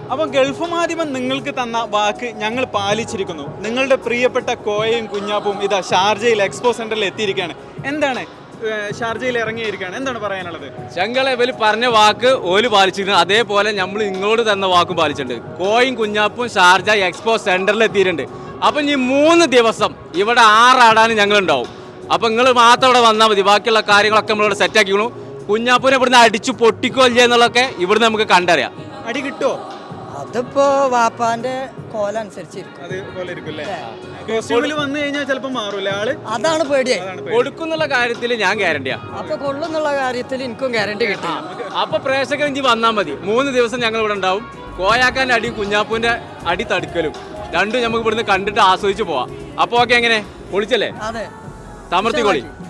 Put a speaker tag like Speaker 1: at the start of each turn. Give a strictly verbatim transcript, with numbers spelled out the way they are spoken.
Speaker 1: അപ്പോൾ ഗൾഫ് മാധ്യമം നിങ്ങൾക്ക് തന്ന വാക്ക് ഞങ്ങൾ പാലിച്ചിരിക്കുന്നു. നിങ്ങളുടെ പ്രിയപ്പെട്ട കോയയും കുഞ്ഞാപ്പും ഇതാ ഷാർജയിൽ എക്സ്പോ സെന്ററിൽ എത്തിയിരിക്കുകയാണ്. എന്താണ് ഷാർജയിൽ ഇറങ്ങിയിരിക്കുകയാണ്, എന്താണ് പറയാനുള്ളത്?
Speaker 2: ഞങ്ങളെ ഇവര് പറഞ്ഞ വാക്ക് ഓല് പാലിച്ചിരുന്നു, അതേപോലെ നമ്മൾ നിങ്ങളോട് തന്ന വാക്കും പാലിച്ചിട്ടുണ്ട്. കോയും കുഞ്ഞാപ്പും ഷാർജ എക്സ്പോ സെന്ററിൽ എത്തിയിട്ടുണ്ട്. അപ്പം ഈ മൂന്ന് ദിവസം ഇവിടെ ആറാടാൻ ഞങ്ങളുണ്ടാവും. അപ്പം നിങ്ങൾ മാത്രം ഇവിടെ വന്നാൽ മതി, ബാക്കിയുള്ള കാര്യങ്ങളൊക്കെ നമ്മളിവിടെ സെറ്റാക്കിക്കണു. കുഞ്ഞാപ്പൂനെ ഇവിടുന്ന് അടിച്ചു പൊട്ടിക്കോ ഇല്ലേ എന്നുള്ളതൊക്കെ ഇവിടുന്ന് നമുക്ക് കണ്ടറിയാം.
Speaker 1: അടി കിട്ടുമോ?
Speaker 3: അതിപ്പോ വാപ്പാന്റെ കോലനുസരിച്ചിരിക്കും.
Speaker 1: അതുപോലെ ഇരിക്കും അല്ലേ? കോസ്റ്റ്യൂമിൽ വന്നു കഴിഞ്ഞാൽ ചിലപ്പോൾ മാറൂല്ലേ ആള്?
Speaker 3: അതാണ് പേടിയായി.
Speaker 2: കൊടുക്കുന്നുള്ള കാര്യത്തിൽ ഞാൻ ഗ്യാരണ്ടിയാ.
Speaker 3: അപ്പൊ കൊള്ളുന്നുള്ള കാര്യത്തിൽ എനിക്കും ഗ്യാരണ്ടി കിട്ടി.
Speaker 2: അപ്പൊ പ്രേക്ഷകർ ഇഞ്ചി വന്നാൽ മതി. മൂന്ന് ദിവസം ഞങ്ങൾ ഇവിടെ ഉണ്ടാവും. കോയാക്കാന്റെ അടി കുഞ്ഞാപ്പൂന്റെ അടി തടുക്കലും രണ്ടും നമുക്ക് ഇവിടുന്ന് കണ്ടിട്ട് ആസ്വദിച്ച് പോവാം. അപ്പൊ ഓക്കെ, എങ്ങനെ പൊളിച്ചല്ലേ?
Speaker 3: അതെ,
Speaker 2: തമർത്തി കൊളി.